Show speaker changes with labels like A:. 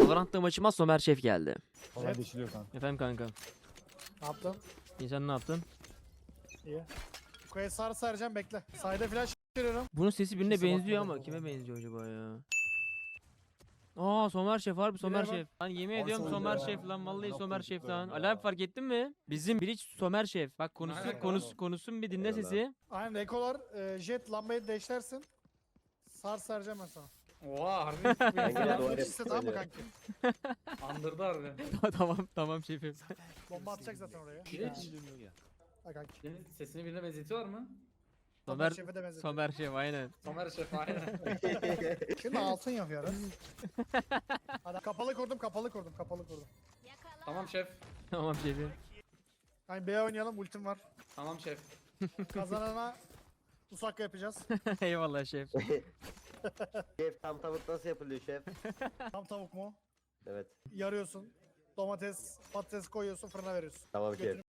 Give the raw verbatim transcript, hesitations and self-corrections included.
A: Valorant'ta maçıma Somer Şef geldi.
B: Olan
C: Evet.
B: deşiliyor kanka.
A: Efendim kanka.
C: Ne yaptın?
A: İyi, sen ne yaptın?
C: İyi. Yukarıya sarı saracağım bekle. Sayda flash veriyorum.
A: Bunun sesi birine
C: Kimse
A: benziyor
C: bakmadı
A: ama
C: bu
A: kime
C: arada.
A: benziyor acaba ya? Aa, Somer Şef, harbi Somer
C: bak.
A: Şef. Lan yemin
B: Ay,
A: ediyorum
B: Somer
A: Somer
B: ya.
A: Şef lan, vallahi
B: Ne
A: Somer
B: yaptın
A: Şef
B: çocuklarım
A: lan.
B: ya?
A: Ali abi fark ettin mi? Bizim Bridge Somer Şef. Bak konusu
D: Aynen.
A: konusu konusun bir dinle
E: Eyvallah.
A: sesi.
C: Aynen ekolar e, jet lambayı deşlersin. Sar saracağım ben sana.
D: Oha harbi
E: Ben
D: bir
E: yine
D: ya.
E: doğru
C: Flash iste tamam mı
E: söylüyorum.
C: kanki?
D: Andırdı harbi.
A: Tamam tamam şefim.
C: Bomba atacak zaten oraya.
D: Hiç.
C: Ha kanki.
D: Senin sesini birine benzetiyor mu?
C: Somer
A: Somer
C: Şef'e de benzetiyor.
A: Somer Şef aynen.
D: Somer Şef aynen.
C: Şimdi altın yapıyoruz. Hadi kapalı kurdum kapalı kurdum kapalı kurdum.
D: Tamam şef.
A: Tamam şefim.
C: Hani B oynayalım ultim var.
D: Tamam şef.
C: Kazanana Usaka yapacağız.
A: Eyvallah şef.
E: Şef tam tavuk nasıl yapılıyor şef?
C: Tam tavuk mu?
E: Evet.
C: Yarıyorsun. Domates, patates koyuyorsun fırına veriyorsun.
E: Tamam şef.